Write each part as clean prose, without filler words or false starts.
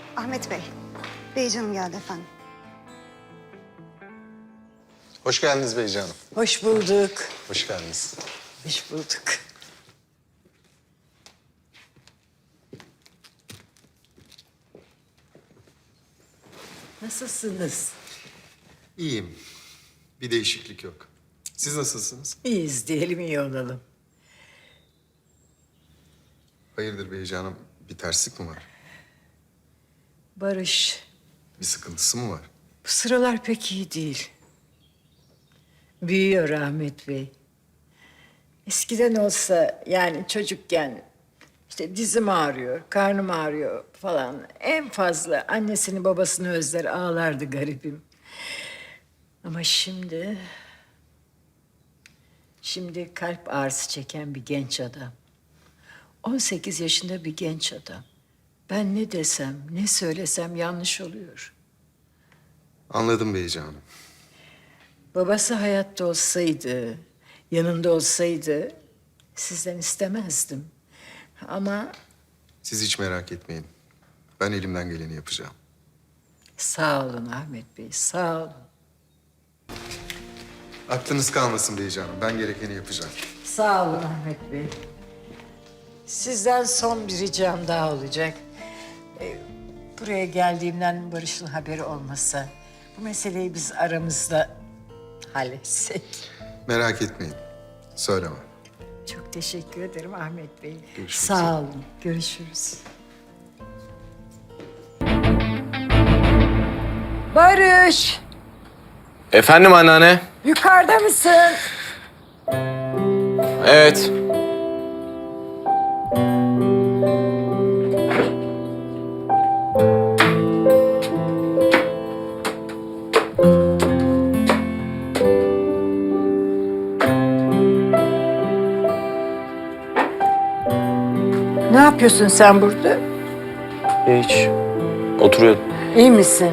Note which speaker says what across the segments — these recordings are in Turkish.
Speaker 1: Ahmet Bey, Beycanım geldi efendim.
Speaker 2: Hoş geldiniz Beyci Hanım.
Speaker 3: Hoş bulduk.
Speaker 2: Hoş geldiniz.
Speaker 3: Hoş bulduk. Nasılsınız?
Speaker 2: İyiyim. Bir değişiklik yok. Siz nasılsınız?
Speaker 3: İyiyiz diyelim, iyi olalım.
Speaker 2: Hayırdır Beyci Hanım? Bir terslik mi var?
Speaker 3: Barış,
Speaker 2: Bir sıkıntısı mı var?
Speaker 3: bu sıralar pek iyi değil. Büyüyor Ahmet Bey. Eskiden olsa yani çocukken işte dizim ağrıyor, karnım ağrıyor falan. En fazla annesini babasını özler ağlardı garibim. Ama şimdi kalp ağrısı çeken bir genç adam. 18 yaşında bir genç adam. Ben ne desem, ne söylesem yanlış oluyor.
Speaker 2: Anladım Beyci Hanım.
Speaker 3: Babası hayatta olsaydı, yanında olsaydı sizden istemezdim. Ama
Speaker 2: Siz hiç merak etmeyin. Ben elimden geleni yapacağım.
Speaker 3: sağ olun Ahmet Bey, sağ olun.
Speaker 2: Aklınız kalmasın Beyci Hanım. Ben gerekeni yapacağım.
Speaker 3: Sağ olun Ahmet Bey. Sizden son bir ricam daha olacak. Buraya geldiğimden Barış'ın haberi olmasa, bu meseleyi biz aramızda halletsek.
Speaker 2: Merak etmeyin. Söylemem.
Speaker 3: Çok teşekkür ederim Ahmet Bey.
Speaker 2: Görüşmek
Speaker 3: Sağ olun. Görüşürüz. Barış,
Speaker 4: Efendim anneanne?
Speaker 3: yukarıda mısın?
Speaker 4: Evet.
Speaker 3: Ne yapıyorsun sen burada?
Speaker 4: Hiç. Oturuyordum.
Speaker 3: İyi misin?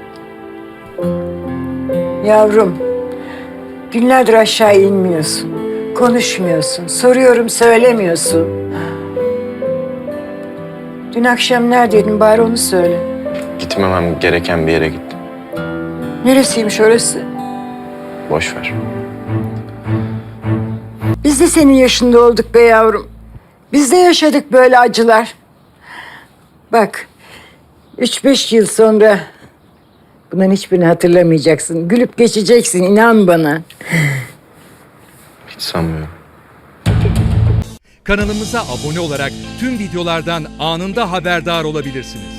Speaker 3: Yavrum, günlerdir aşağı inmiyorsun. Konuşmuyorsun. Soruyorum, söylemiyorsun. Dün akşam neredeydin bari onu söyle.
Speaker 4: Gitmemem gereken bir yere gittim.
Speaker 3: Neresiymiş orası?
Speaker 4: Boş ver.
Speaker 3: Biz de senin yaşında olduk be yavrum. Biz de yaşadık böyle acılar. Bak, 3-5 yıl sonra bunların hiçbirini hatırlamayacaksın. Gülüp geçeceksin, inan bana.
Speaker 4: Hiç sanmıyorum.
Speaker 5: Kanalımıza abone olarak tüm videolardan anında haberdar olabilirsiniz.